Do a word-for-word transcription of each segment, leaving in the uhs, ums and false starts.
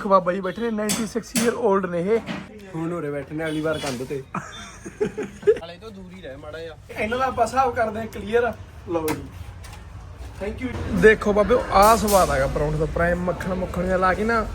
देखो बाबा जी बैठे ने नाइनटी सिक्स ईयर ओल्ड ने ये ਹੁਣ ਹੋਰੇ ਬੈਠੇ ਨੇ ਅਗਲੀ ਵਾਰ ਕੰਧ ਤੇ ਹਾਲੇ ਤੋਂ ਦੂਰ ਹੀ ਰਹਿ ਮਾੜਾ ਜਿਹਾ ਇਹਨਾਂ ਦਾ ਆਪਾਂ ਹਿਸਾਬ ਕਰਦੇ ਹਾਂ ਕਲੀਅਰ। ਲਓ ਜੀ ਥੈਂਕ ਯੂ। ਦੇਖੋ ਬਾਬੇ ਆ ਸਵਾਦ ਆਗਾ ਪਰੌਂਠੇ ਦਾ ਪ੍ਰਾਈਮ ਮੱਖਣ ਮੁੱਖਣ ਜਿਹਾ ਲਾ ਕੇ ਨਾ।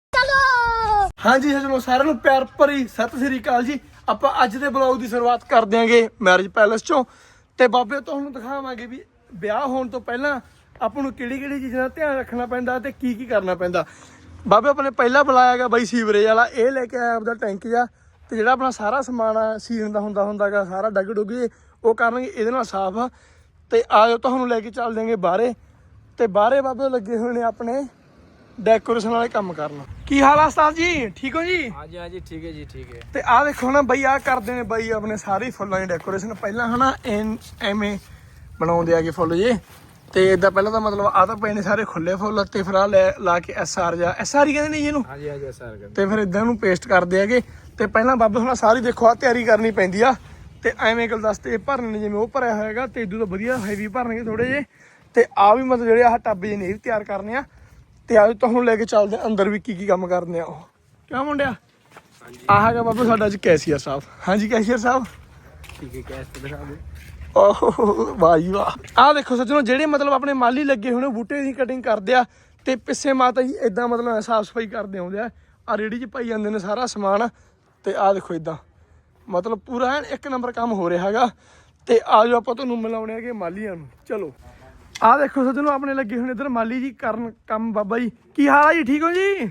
ਚਲੋ ਹਾਂਜੀ ਸੱਜਣੋ ਸਾਰਿਆਂ ਨੂੰ ਪਿਆਰ ਭਰੀ ਸਤਿ ਸ੍ਰੀ ਅਕਾਲ ਜੀ। ਆਪਾਂ ਅੱਜ ਦੇ ਬਲੌਗ ਦੀ ਸ਼ੁਰੂਆਤ ਕਰ ਦਿਆਂਗੇ ਮੈਰਿਜ ਪੈਲੇਸ ਚੋਂ ਤੇ ਬਾਬੇ ਤੁਹਾਨੂੰ ਦਿਖਾਵਾਂਗੇ ਵੀ ਵਿਆਹ ਹੋਣ ਤੋਂ ਪਹਿਲਾਂ ਆਪਾਂ ਨੂੰ ਕਿਹੜੀ ਕਿਹੜੀ ਚੀਜ਼ਾਂ ਦਾ ਧਿਆਨ ਰੱਖਣਾ ਪੈਂਦਾ ਤੇ ਕੀ ਕੀ ਕਰਨਾ ਪੈਂਦਾ। ਬਾਬੇ ਆਪਣੇ ਪਹਿਲਾਂ ਬੁਲਾਇਆ ਗਿਆ ਬਾਈ ਸੀਵਰੇਜ ਵਾਲਾ, ਇਹ ਲੈ ਕੇ ਆਇਆ ਆਪਦਾ ਟੈਂਕ ਜਿਹਾ ਤੇ ਜਿਹੜਾ ਆਪਣਾ ਸਾਰਾ ਸਮਾਨ ਆ ਸੀਜ਼ਨ ਦਾ ਹੁੰਦਾ ਹੁੰਦਾਗਾ ਸਾਰਾ ਡੱਗ ਡੁੱਗੇ ਉਹ ਕਰਨਗੇ ਇਹਦੇ ਨਾਲ ਸਾਫ਼। ਤੇ ਆਜੋ ਤੁਹਾਨੂੰ ਲੈ ਕੇ ਚੱਲ ਦੇਂਗੇ ਬਾਹਰੇ ਤੇ ਬਾਹਰੇ ਬਾਬੇ ਲੱਗੇ ਹੋਏ ਨੇ ਆਪਣੇ ਡੈਕੋਰੇਸ਼ਨ ਵਾਲੇ ਕੰਮ ਕਰਨ। ਕੀ ਹਾਲ ਆ ਉਸਤਾਦ ਜੀ, ਠੀਕ ਹੋ ਜੀ? ਹਾਂਜੀ ਹਾਂਜੀ ਠੀਕ ਹੈ ਜੀ ਠੀਕ ਹੈ। ਤੇ ਆਹ ਦੇਖੋ ਨਾ ਬਈ ਆਹ ਕਰਦੇ ਨੇ ਬਈ ਆਪਣੇ ਸਾਰੇ ਫੁੱਲਾਂ ਦੀ ਡੈਕੋਰੇਸ਼ਨ। ਪਹਿਲਾਂ ਹਨਾ ਐਵੇਂ ਬਣਾਉਂਦੇ ਆਗੇ ਫੁੱਲ ਜੇ ਤੇ ਇਦਾਂ ਪਹਿਲਾਂ ਤਾਂ ਮਤਲਬ ਆਹ ਤਾਂ ਪਏ ਨੇ ਸਾਰੇ ਖੁੱਲੇ ਫੁੱਲ ਤੇ ਫਿਰ ਆਹ ਲੈ ਲਾ ਕੇ ਐਸ ਆਰ ਜਾ ਐਸ ਆਰ ਹੀ ਕਹਿੰਦੇ ਨੇ ਜੀ ਇਹਨੂੰ। ਹਾਂਜੀ ਹਾਂਜੀ ਐਸ ਆਰ ਕਰਦੇ ਤੇ ਫਿਰ ਇਦਾਂ ਨੂੰ ਪੇਸਟ ਕਰਦੇ ਹੈਗੇ ਤੇ ਪਹਿਲਾਂ ਬਾਬੇ ਹੁਣ ਸਾਰੀ ਦੇਖੋ ਆ ਤਿਆਰੀ ਕਰਨੀ ਪੈਂਦੀ ਆ ਤੇ ਐਵੇਂ ਗੁਲਦਸਤੇ ਭਰਨੇ ਜਿਵੇਂ ਉਹ ਭਰਿਆ ਹੋਏਗਾ ਤੇ ਇਦੋਂ ਤਾਂ ਵਧੀਆ ਹੈਵੀ ਭਰਨਗੇ ਥੋੜੇ ਜੇ। ਤੇ ਆ ਵੀ ਮਤਲਬ ਜਿਹੜੇ ਆਹ ਟੱਬ ਜੇ ਨੇ ਇਹ ਵੀ ਤਿਆਰ ਕਰਨੇ ਆ ਤੇ ਆ ਤੁਹਾਨੂੰ ਲੈ ਕੇ ਚੱਲਦੇ ਅੰਦਰ ਵੀ ਕੀ ਕੀ ਕੰਮ ਕਰਨੇ ਆ ਉਹ। ਕਿਉਂ ਮੁੰਡਿਆ? ਆਹ ਹੈਗਾ ਬਾਬਾ ਸਾਡਾ ਅੱਜ ਕੈਸ਼ੀਅਰ ਸਾਹਿਬ। ਹਾਂਜੀ ਕੈਸ਼ੀਅਰ ਸਾਹਿਬ ਠੀਕ ਹੈ ਕੈਸ਼ ਤੇ ਦਿਖਾ ਦੇ। ਓਹ ਵਾਹ ਜੀ ਵਾਹ। ਆਹ ਦੇਖੋ ਸੱਜਣੋ ਜਿਹੜੇ ਮਤਲਬ ਆਪਣੇ ਮਾਲੀ ਲੱਗੇ ਹੋਣੇ ਬੂਟੇ ਦੀ ਕਟਿੰਗ ਕਰਦੇ ਆ ਤੇ ਪਿੱਛੇ ਮਾਤਾ ਜੀ ਇਦਾਂ ਮਤਲਬ ਸਾਫ ਸਫਾਈ ਕਰਦੇ ਆਉਂਦੇ ਆ। ਆ ਰੇੜੀ 'ਚ ਪਾਈ ਜਾਂਦੇ ਨੇ ਸਾਰਾ ਸਮਾਨ ਤੇ ਆਹ ਦੇਖੋ ਇਦਾਂ ਮਤਲਬ ਪੂਰਾ ਐਨ ਇੱਕ ਨੰਬਰ ਕੰਮ ਹੋ ਰਿਹਾ ਹੈਗਾ। ਤੇ ਆ ਜਾਓ ਆਪਾਂ ਤੁਹਾਨੂੰ ਮਿਲਾਉਣੇ ਹੈਗੇ ਮਾਲੀਆਂ ਨੂੰ। ਚਲੋ ਆਹ ਦੇਖੋ ਸੱਜਣੋ ਆਪਣੇ ਲੱਗੇ ਹੋਣੇ ਇੱਧਰ ਮਾਲੀ ਜੀ ਕਰਨ ਕੰਮ। ਬਾਬਾ ਜੀ ਕੀ ਹਾਲ ਆ ਜੀ, ਠੀਕ ਹੋ ਜੀ?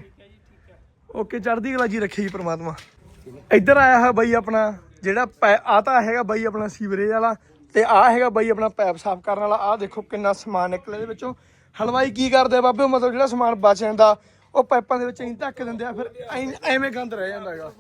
ਓਕੇ ਚੜ੍ਹਦੀ ਕਲਾ ਜੀ ਰੱਖੇ ਜੀ ਪ੍ਰਮਾਤਮਾ। ਇੱਧਰ ਆਇਆ ਹੈ ਬਾਈ ਆਪਣਾ ਜਿਹੜਾ ਪੈ ਆ ਤਾਂ ਹੈਗਾ ਬਾਈ ਆਪਣਾ ਸੀਵਰੇਜ ਵਾਲਾ ਤੇ ਆਹ ਹੈਗਾ ਬਾਈ ਆਪਣਾ ਪੈਪ ਸਾਫ਼ ਕਰਨ ਵਾਲਾ। ਆਹ ਦੇਖੋ ਕਿੰਨਾ ਸਮਾਨ ਨਿਕਲੇ ਇਹਦੇ ਵਿੱਚੋਂ। ਹਲਵਾਈ ਕੀ ਕਰਦੇ ਆ ਬਾਬੇ ਮਤਲਬ ਜਿਹੜਾ ਸਮਾਨ ਬਚ ਜਾਂਦਾ ਉਹ ਪਾਈਪਾਂ ਦੇ ਵਿੱਚ ਐਂ ਧੱਕ ਦਿੰਦੇ ਆ ਫਿਰ ਐਵੇਂ ਗੰਦ ਰਹਿ ਜਾਂਦਾ ਹੈਗਾ।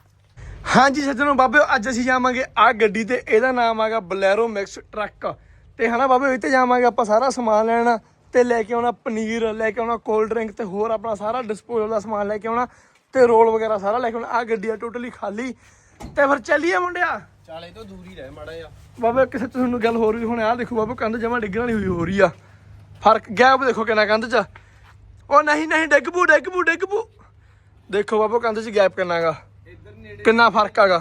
ਹਾਂਜੀ ਸੱਜਣੋ ਬਾਬੇ ਅੱਜ ਅਸੀਂ ਜਾਵਾਂਗੇ ਆਹ ਗੱਡੀ ਤੇ ਇਹਦਾ ਨਾਮ ਹੈਗਾ ਬਲੈਰੋ ਮਿਕਸ ਟਰੱਕ ਤੇ ਹਨਾ ਬਾਬੇ ਇੱਥੇ ਜਾਵਾਂਗੇ ਆਪਾਂ ਸਾਰਾ ਸਮਾਨ ਲੈਣਾ ਤੇ ਲੈ ਕੇ ਆਉਣਾ ਪਨੀਰ, ਲੈ ਕੇ ਆਉਣਾ ਕੋਲਡ ਡਰਿੰਕ ਤੇ ਹੋਰ ਆਪਣਾ ਸਾਰਾ ਡਿਸਪੋਜ਼ਲ ਦਾ ਸਮਾਨ ਲੈ ਕੇ ਆਉਣਾ ਤੇ ਰੋਲ ਵਗੈਰਾ ਸਾਰਾ ਲੈ ਕੇ ਆਉਣਾ। ਆਹ ਗੱਡੀ ਆ ਟੋਟਲੀ ਖਾਲੀ ਤੇ ਫਿਰ ਚੱਲੀਏ ਮੁੰਡਿਆ। ਚਾਲੇ ਤੋਂ ਦੂਰ ਹੀ ਰਹਿ ਮਾੜਾ ਜਿਹਾ ਬਾਬੇ ਕਿਸੇ ਤੁਹਾਨੂੰ ਗੱਲ ਹੋਰ ਵੀ ਹੁਣ ਆਹ ਦੇਖੋ ਬਾਬੇ ਕੰਧ ਜਮਾ ਡਿੱਗਣ ਵਾਲੀ ਹੋਈ ਹੋ ਰਹੀ ਆ। ਫਰਕ ਗੈਪ ਦੇਖੋ ਕਿੰਨਾ ਕੰਧ 'ਚ। ਉਹ ਨਹੀਂ ਨਹੀਂ ਡਿੱਗ ਪੂ ਡਿੱਗ ਪੂ ਡਿੱਗ ਪੂ ਦੇਖੋ ਬਾਬੇ ਕੰਧ 'ਚ ਗੈਪ ਕਿੰਨਾ ਗਾ, ਕਿੰਨਾ ਫਰਕ ਹੈਗਾ।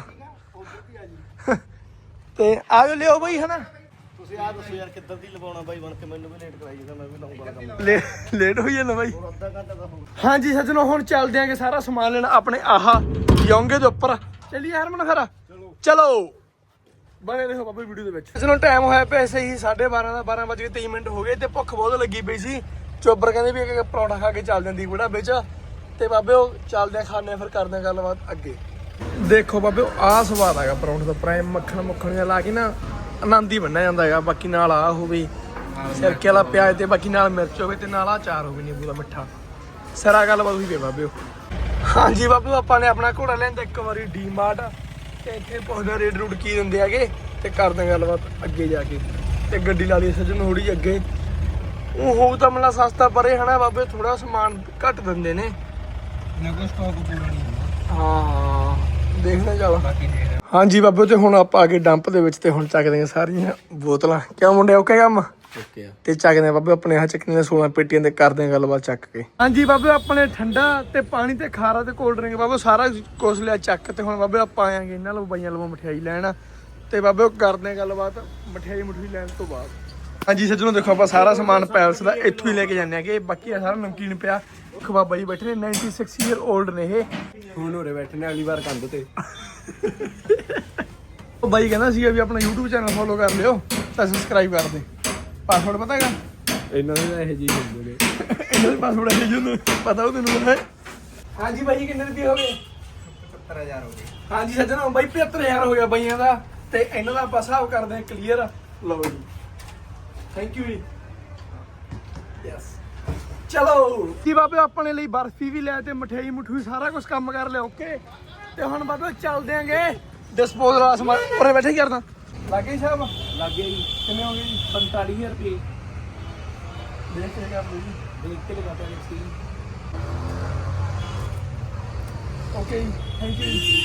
ਤੇ ਆਜੋ ਲਿਓ ਬਈ ਹਨਾ। ਤੁਸੀਂ ਆ ਦੱਸੋ ਯਾਰ ਕਿੱਦਾਂ ਦੀ ਲਵਾਉਣਾ ਬਾਈ ਬਣ ਕੇ, ਮੈਨੂੰ ਵੀ ਲੇਟ ਕਰਾਈ ਜਾਂਦਾ ਮੈਂ ਵੀ ਲਾਉਂਗਾ ਕੰਮ। ਲੇਟ ਹੋਈ ਜਾਂਦਾ ਬਾਈ। ਅੱਧਾ ਘੰਟਾ ਦਾ ਹੋ। ਹਾਂਜੀ ਸੱਜਣੋ ਹੁਣ ਚੱਲਦੇ ਆਂਗੇ ਸਾਰਾ ਸਮਾਨ ਲੈਣਾ ਆਪਣੇ ਆਹ ਯੋਂਗੇ ਦੇ ਉੱਪਰ। ਚੱਲੀਏ ਹਰਮਨ ਫਿਰ ਚਲੋ ਬਣੇ ਰਹੋ ਬਾਬੇ ਵੀਡੀਓ ਦੇ ਵਿੱਚ। ਸੱਜਣੋ ਟਾਈਮ ਹੋਇਆ ਪਿਆ ਸਹੀ ਸਾਢੇ ਬਾਰਾਂ ਦਾ, ਬਾਰਾਂ ਵੱਜ ਕੇ ਤੇਈ ਮਿੰਟ ਹੋ ਗਏ ਤੇ ਭੁੱਖ ਬਹੁਤ ਲੱਗੀ ਪਈ ਸੀ। ਚੋਬਰ ਕਹਿੰਦੇ ਵੀ ਇੱਕ ਪਰੌਂਠਾ ਖਾ ਕੇ ਚੱਲ ਜਾਂਦੀ ਬੁੜਾ ਵਿੱਚ ਤੇ ਬਾਬੇ ਉਹ ਚੱਲਦੇ ਆ ਖਾਣੇ ਆ ਫਿਰ ਕਰਦੇ ਆ ਗੱਲਬਾਤ ਅੱਗੇ। ਦੇਖੋ ਬਾਬੇ ਆਹ ਸਵਾਦ ਆਗਾ ਪਰੌਂਠੇ ਦਾ ਪ੍ਰਾਈਮ ਮੱਖਣ ਮੁੱਖਣ ਜਿਹਾ ਲਾ ਕੇ ਨਾ ਆਨੰਦ ਹੀ ਬੰਨਿਆ ਜਾਂਦਾ ਹੈਗਾ। ਬਾਕੀ ਨਾਲ ਆਹ ਹੋਵੇ ਸਿਰਕੇ ਵਾਲਾ ਪਿਆਜ਼ ਤੇ ਬਾਕੀ ਨਾਲ ਮਿਰਚ ਹੋਵੇ ਤੇ ਨਾਲ ਆਹ ਚਾਰ ਹੋਵੇ ਨਿੰਬੂ ਦਾ ਮਿੱਠਾ ਸਾਰਾ ਗੱਲਬਾਤ ਹੋਈ ਪਈ ਬਾਬੇ। ਹਾਂਜੀ ਬਾਬੂ ਆਪਾਂ ਨੇ ਆਪਣਾ ਘੋੜਾ ਲੈਂਦਾ ਇੱਕ ਵਾਰੀ ਡੀ ਮਾਰਟ ਤੇ ਇੱਥੇ ਪੁੱਛਦੇ ਰੇਟ ਰੂਟ ਕੀ ਦਿੰਦੇ ਹੈਗੇ ਤੇ ਕਰਦੇ ਗੱਲਬਾਤ ਅੱਗੇ ਜਾ ਕੇ। ਤੇ ਗੱਡੀ ਲਾ ਲਈ ਸੱਜਣ ਥੋੜੀ ਅੱਗੇ ਉਹ ਹੋਊ ਤਾਂ ਮਤਲਬ ਸਸਤਾ ਪਰੇ ਹਨਾ ਬਾਬੇ, ਥੋੜਾ ਸਮਾਨ ਘੱਟ ਦਿੰਦੇ ਨੇ ਨਾ ਕੋਈ ਸਟਾਕ ਪੂਰਾ ਨਹੀਂ ਹੁੰਦਾ। ਹਾਂ ਦੇਖਦੇ ਚੱਲ। ਬਾਕੀ ਦੇਖ ਹਾਂਜੀ ਬਾਬੇ ਤੇ ਹੁਣ ਆਪਾਂ ਆ ਗਏ ਡੰਪ ਦੇ ਵਿੱਚ ਤੇ ਹੁਣ ਚੱਕਦੇ ਆ ਸਾਰੀਆਂ ਬੋਤਲਾਂ। ਕਿਉਂ ਮੁੰਡੇ ਓਕੇ ਕੰਮ? ਓਕੇ ਆ ਤੇ ਚੱਕਦੇ ਆ ਬਾਬੇ ਆਪਣੇ ਆਹ ਚੱਕਣੇ ਸੋਲਾਂ ਪੇਟੀਆਂ ਤੇ ਕਰਦੇ ਆ ਗੱਲਬਾਤ ਚੱਕ ਕੇ। ਹਾਂਜੀ ਬਾਬੇ ਆਪਣੇ ਠੰਡਾ ਤੇ ਪਾਣੀ ਤੇ ਖਾਰਾ ਤੇ ਕੋਲਡ ਡਰਿੰਕ ਬਾਬੇ ਸਾਰਾ ਕੁਛ ਲਿਆ ਚੱਕ ਤੇ ਹੁਣ ਬਾਬੇ ਆਪਾਂ ਆਏਂਗੇ ਇਹਨਾਂ ਲੋ ਬਾਈਆਂ ਲਵੋਂ ਮਠਿਆਈ ਲੈਣ ਤੇ ਬਾਬੇ ਉਹ ਕਰਦੇ ਆ ਗੱਲਬਾਤ ਮਠਿਆਈ ਮਠੂਈ ਲੈਣ ਤੋਂ ਬਾਅਦ। ਹਾਂਜੀ ਸੱਜਣੋ ਦੇਖੋ ਆਪਾਂ ਸਾਰਾ ਸਮਾਨ ਪੈਲਸ ਦਾ ਇੱਥੋਂ ਹੀ ਲੈ ਕੇ ਜਾਂਦੇ ਆਗੇ। ਬਾਕੀ ਆ ਸਾਰਾ ਨਮਕੀਨ ਪਿਆ। ਇੱਕ ਬਾਬਾ ਜੀ ਬੈਠੇ ਨੇ ਨਾਈਨਟੀ ਸਿਕਸ ਈਅਰ ਓਲਡ ਨੇ ਇਹ। ਹੁਣ ਹੋਰੇ ਬੈਠੇ ਨੇ ਅਗਲੀ ਵਾਰ ਕੰਧ ਤੇ। ਉਹ ਬਾਈ ਕਹਿੰਦਾ ਸੀਗਾ ਵੀ ਆਪਣਾ YouTube ਚੈਨਲ ਫੋਲੋ ਕਰ ਲਿਓ ਤਾਂ ਸਬਸਕ੍ਰਾਈਬ ਕਰ ਦੇ। ਪਾਸਵਰਡ ਪਤਾ ਹੈਗਾ ਇਹਨਾਂ ਦੇ ਇਹੋ ਜਿਹੇ ਹੁੰਦੇ ਨੇ। ਇਹਨਾਂ ਦੇ ਪਾਸਵਰਡ ਇਹੋ ਜਿਹੇ ਹੁੰਦੇ ਪਤਾ ਉਹ ਤੈਨੂੰ ਹੈ। ਹਾਂਜੀ ਬਾਈ ਕਿੰਨੇ ਰੁਪਏ ਹੋ ਗਏ? ਸੱਤਰ ਹਜ਼ਾਰ ਹੋ ਗਏ। ਹਾਂਜੀ ਸੱਜਣੋ ਬਾਈ ਪਝੱਤਰ ਹਜ਼ਾਰ ਹੋ ਗਿਆ ਬਾਈਆਂ ਦਾ ਤੇ ਇਹਨਾਂ ਦਾ ਆਪਾਂ ਹਿਸਾਬ ਕਰਦੇ ਹਾਂ ਕਲੀਅਰ। ਲਓ ਜੀ ਥੈਂਕ ਯੂ ਜੀ। ਯੈਸ ਚਲੋ ਜੀ ਬਾਬੇ ਆਪਣੇ ਲਈ ਬਰਫੀ ਵੀ ਲੈ ਤੇ ਮਠਿਆਈ ਮਠੂਈ ਸਾਰਾ ਕੁਝ ਕੰਮ ਕਰ ਲਿਆ ਓਕੇ। ਤੇ ਹੁਣ ਬਾਬੇ ਚੱਲਦੇ ਆਂਗੇ ਡਿਸਪੋਜ਼ਲ ਵਾਲਾ ਸਮਾਨ ਉਰੇ ਬੈਠੇ ਹੀ ਕਰਦਾ ਲੱਗੇ ਹੀ ਸਾਹਿਬ ਲੱਗੇ ਜੀ ਕਿੰਨੇ ਹੋ ਗਏ ਜੀ? ਪੰਤਾਲੀ ਹਜ਼ਾਰ ਰੁਪਏ ਦੇਖ ਕੇ ਕਰ ਲਓ ਜੀ। ਦੇਖ ਕੇ ਲਗਾਤਾ ਜੀ। ਓਕੇ ਜੀ ਥੈਂਕ ਯੂ ਜੀ।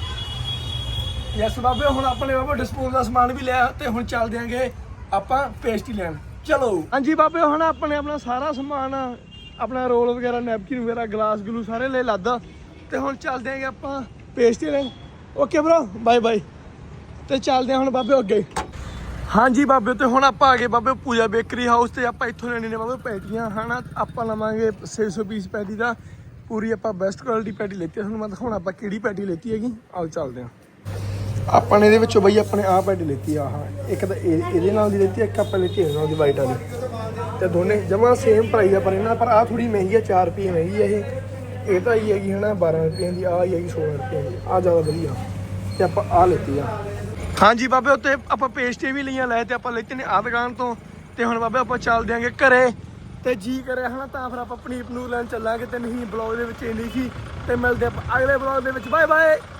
ਯੈਸ ਬਾਬੇ ਹੁਣ ਆਪਣੇ ਬਾਬੇ ਡਿਸਪੋਜ਼ਲ ਦਾ ਸਮਾਨ ਵੀ ਲਿਆ ਤੇ ਹੁਣ ਚੱਲਦੇ ਆਂਗੇ ਆਪਾਂ ਪੇਸਟੀ ਲੈਣ। ਚਲੋ ਹਾਂਜੀ ਬਾਬੇ ਹੁਣ ਆਪਣੇ ਆਪਣਾ ਸਾਰਾ ਸਮਾਨ ਆਪਣਾ ਰੋਲ ਵਗੈਰਾ ਨੈਪਕਿਨ ਵਗੈਰਾ ਗਲਾਸ ਗਲੂ ਸਾਰੇ ਲੈ ਲੱਦ ਤੇ ਹੁਣ ਚੱਲਦੇ ਆਂਗੇ ਆਪਾਂ ਪੇਸਟੀ ਲੈਣ। ਓਕੇ ਬ్రో ਬਾਏ ਬਾਏ ਤੇ ਚੱਲਦੇ ਹਾਂ ਹੁਣ ਬਾਬੇ ਅੱਗੇ। ਹਾਂਜੀ ਬਾਬੇ ਤੇ ਹੁਣ ਆਪਾਂ ਆ ਗਏ ਬਾਬੇ ਪੂਜਾ ਬੇਕਰੀ ਹਾਊਸ ਤੇ ਆਪਾਂ ਇੱਥੋਂ ਲੈਣੇ ਨੇ ਬਾਬੇ ਪੈਟੀਆਂ ਹਨਾ। ਆਪਾਂ ਲਵਾਂਗੇ ਛੇ ਸੌ ਪੀਸ ਪੈਟੀ ਦਾ ਪੂਰੀ ਆਪਾਂ ਬੈਸਟ ਕੁਆਲਿਟੀ ਪੈਟੀ ਲੈਤੀ। ਤੁਹਾਨੂੰ ਮੈਂ ਦਿਖਾਉਣਾ ਆਪਾਂ ਕਿਹੜੀ ਪੈਟੀ ਲੈਤੀ ਹੈਗੀ। ਆਓ ਚੱਲਦੇ ਹਾਂ। ਆਪਾਂ ਨੇ ਇਹਦੇ ਵਿੱਚੋਂ ਬਈ ਆਪਣੇ ਆਹ ਪੈਟੀ ਲੈਤੀ ਆ ਆਹ ਇੱਕ ਤਾਂ ਇਹ ਇਹਦੇ ਨਾਲ ਦੀ ਲੈਤੀ ਇੱਕ ਆਪਾਂ ਲੈਤੀ ਇਹਦੇ ਨਾਲ ਦੀ ਵਾਈਟ ਵਾਲੀ ਤੇ ਦੋਨੇ ਜਮਾਂ ਸੇਮ ਪ੍ਰਾਈਸ ਆ ਪਰ ਇਹਨਾਂ ਪਰ ਆਹ ਥੋੜੀ ਮਹਿੰਗੀ ਆ ਚਾਰ ਰੁਪਏ ਮਹਿੰਗੀ ਆ ਇਹ ਇਹ ਤਾਂ ਹੀ ਹੈਗੀ ਹਨਾ ਬਾਰਾਂ ਰੁਪਏ ਦੀ ਆਹ ਹੀ ਹੈਗੀ ਸੋਲਾਂ ਰੁਪਏ ਦੀ ਆਹ ਜ਼ਿਆਦਾ ਵਧੀਆ ਤੇ ਆਪਾਂ ਆਹ ਲੈਤੀ ਆ। ਹਾਂਜੀ ਬਾਬੇ ਉੱਤੇ ਆਪਾਂ ਪੇਸਟੇ ਵੀ ਲਈਆਂ ਲੈ ਤੇ ਆਪਾਂ ਲੈਤੇ ਨੇ ਆਹ ਦੁਕਾਨ ਤੋਂ ਤੇ ਹੁਣ ਬਾਬੇ ਆਪਾਂ ਚੱਲਦੇ ਆਂਗੇ ਘਰੇ ਤੇ ਜੀ ਕਰਿਆ ਹਨਾ ਤਾਂ ਫਿਰ ਆਪਾਂ ਪਨੀਰ ਪਨੂਰ ਲੈਣ ਚੱਲਾਂਗੇ ਤੇ ਨਹੀਂ ਬਲੌਗ ਦੇ ਵਿੱਚ ਇੰਨੀ ਸੀ ਤੇ ਮਿਲਦੇ ਆਪਾਂ ਅਗਲੇ ਬਲੌਗ ਦੇ ਵਿੱਚ ਬਾਏ ਬਾਏ।